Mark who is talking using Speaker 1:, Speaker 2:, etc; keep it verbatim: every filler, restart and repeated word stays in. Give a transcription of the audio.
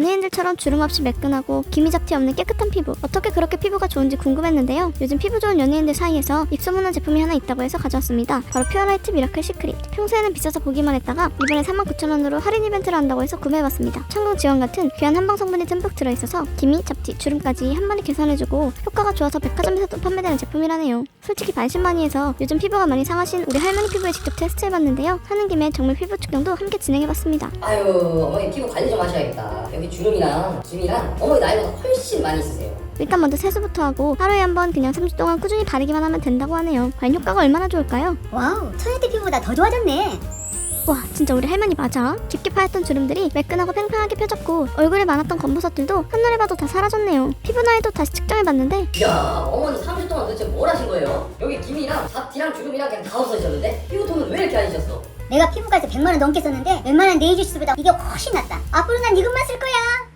Speaker 1: 연예인들처럼 주름 없이 매끈하고 기미잡티 없는 깨끗한 피부, 어떻게 그렇게 피부가 좋은지 궁금했는데요. 요즘 피부 좋은 연예인들 사이에서 입소문난 제품이 하나 있다고 해서 가져왔습니다. 바로 퓨어라이트 미라클 시크릿. 평소에는 비싸서 보기만 했다가 이번에 사만 구천 원으로 할인 이벤트를 한다고 해서 구매해봤습니다. 청강 지원 같은 귀한 한방 성분이 듬뿍 들어있어서 기미, 잡티, 주름까지 한 번에 개선해주고 효과가 좋아서 백화점에서도 판매되는 제품이라네요. 솔직히 반신반의해서 요즘 피부가 많이 상하신 우리 할머니 피부에 직접 테스트해봤는데요. 하는 김에 정밀 피부 측정도 함께 진행해봤습니다.
Speaker 2: 아유, 어머니 피부 관리 좀 하셔야겠다. 여기 주름이랑 기미랑 어머니 나이보다 훨씬 많이 있으세요.
Speaker 1: 일단 먼저 세수부터 하고 하루에 한 번 그냥 삼 주 동안 꾸준히 바르기만 하면 된다고 하네요. 과연 효과가 얼마나 좋을까요?
Speaker 3: 와우, 천연대 피부보다 더 좋아졌네.
Speaker 1: 와, 진짜 우리 할머니 맞아? 깊게 파였던 주름들이 매끈하고 팽팽하게 펴졌고 얼굴에 많았던 검버섯들도 한눈에 봐도 다 사라졌네요. 피부 나이도 다시 측정해봤는데
Speaker 2: 이야, 어머니 삼 주 동안 도대체 뭘 하신 거예요? 여기 기미랑 잡티랑 주름이랑 그냥 다 없어지셨는데? 피부톤은 왜 이렇게 안 지셨어?
Speaker 3: 내가 피부과에서 백만 원 넘게 썼는데 웬만한 네일 주스보다 이게 훨씬 낫다. 앞으로 난 이것만 쓸 거야.